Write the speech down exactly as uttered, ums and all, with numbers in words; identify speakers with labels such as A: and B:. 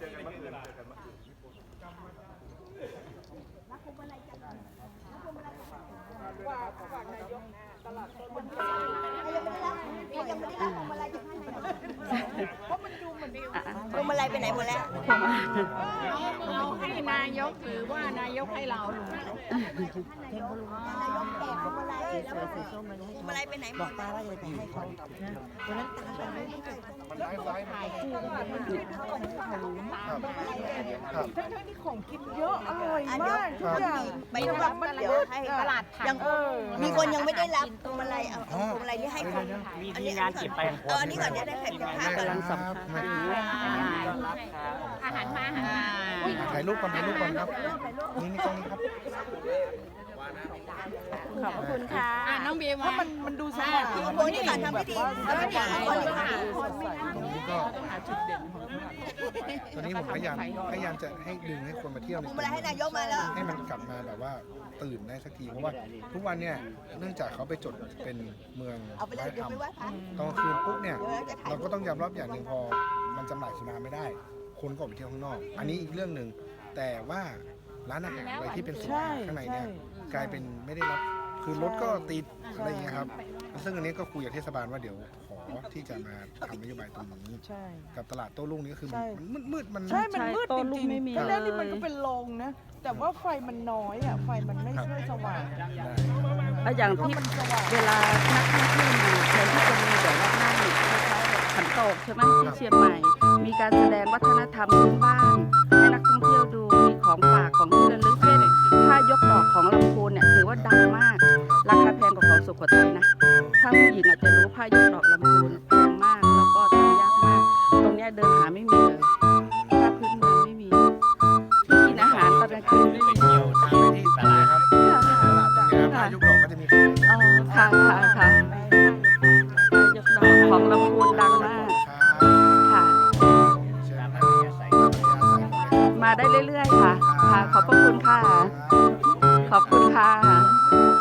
A: ว่าฝากนายกตลาดต้นมัน
B: ยังไม่ได้รับยังไม่ได้รับพวงมาลัยจากท่านนายกเพราะมันดูเหมือนพวงมาลัยไปไหนหมดแล้ว
C: เราให้นายกหรือว่านายกให้เราหรือนายกแจกพวงมาลัยแล้วพวงมาลัยไปไหนหมดป้าว่าจะไปให้เขาวันนั้นตาไปไม่ได้
A: มันไลฟ์ไลฟ์ถ่ายคู่มันช่วยเขาทั้งๆที่ของกินเยอะอร่อยมากทุกอย่าง
B: ไปรับมันเดี๋ยวให้ตลาดยังมีคนยังไม่ได้รับพวงมาลัยเอาพวงมาลัยที่ให้คน
D: มีงานเก็บไป
B: เอออันนี้ก่อนจะได้แข่งกับข้าวกำลังสัมภาษณ์
C: อาหารมาอาหาร
A: ถ่ายรูปก่อนถ่ายรูปก่อนครับนี่นี่กล้องนี้ครับ
C: ขอบคุณค่ะน้องบีม
A: ถ้ามันมันดูสะอาด
B: โอ้ยนี่การทำพิธีแล้วก็อย่างคนเลยค่ะ
A: ก็ตอนนี้ผมพยายามพยายามจะให้ดึงให้คนมาเที่ยวใน
B: ให้นายกมาแล้ว
A: ให้มันกลับมาแบบว่าตื่นได้สักทีเพราะว่าทุกวันเนี่ยเนื่องจากเขาไปจดเป็นเมืองวัฒนธรรมตอนคืนปุ๊บเนี่ยเราก็ต้องยอมรับอย่างหนึ่งพอมันจำหน่ายสุราไม่ได้คนก็ออกไปเที่ยวข้างนอกอันนี้อีกเรื่องหนึ่งแต่ว่าร้านอาหารอะไรที่เป็นสุราข้างในเนี่ยกลายเป็นไม่ได้รับคือรถก็ติดอะไรอย่างเงี้ยครับซึ่งอันนี้ก็คุยกับเทศบาลว่าเดี๋ยวขอที่จะมาทำนโยบายตรงนี้กับตลาดโต้รุ่งนี้คือมันมืดมัน
E: ใช่มันมืดจริงๆตอนแรกนี่มันก็เป็นโรงนะแต่ว่าไฟมันน้อยอ่ะไฟมันไม่ช่วยสว่าง
C: อย่างที่เวลานักท่องเที่ยวมาแทนที่จะมีแบบว่านั่งคล้ายๆขันโตกใช่ไหมที่เชียงใหม่มีการแสดงวัฒนธรรมพื้นบ้านให้นักท่องเที่ยวดูมีของฝากของที่ระลึกเช่นผ้ายกดอกของลำพูนเนี่ยถือว่าดังมากราคาแพงกว่าของสุโขทัยนะถ้าผู้หญิงอาจจะรู้ผ้ายกดอกลำพูนแพงมากแล้วก็ทำยากมากตรงนี้เดินหาไม่มีเลยถ้าพื้นเมืองไม่มีที่กินอาหารตอนกลางคืนไม่มี
A: เที่ยวตามไปที่ตลาดครับตลาดตรงนี้ครับยุคหลอกก็จะมี
C: อ๋อค่ะค่ะค่ะยกดอกของลำพูนดังมากค่ะมาได้เรื่อยๆค่ะค่ะขอบพระคุณค่ะขอบคุณค่ะ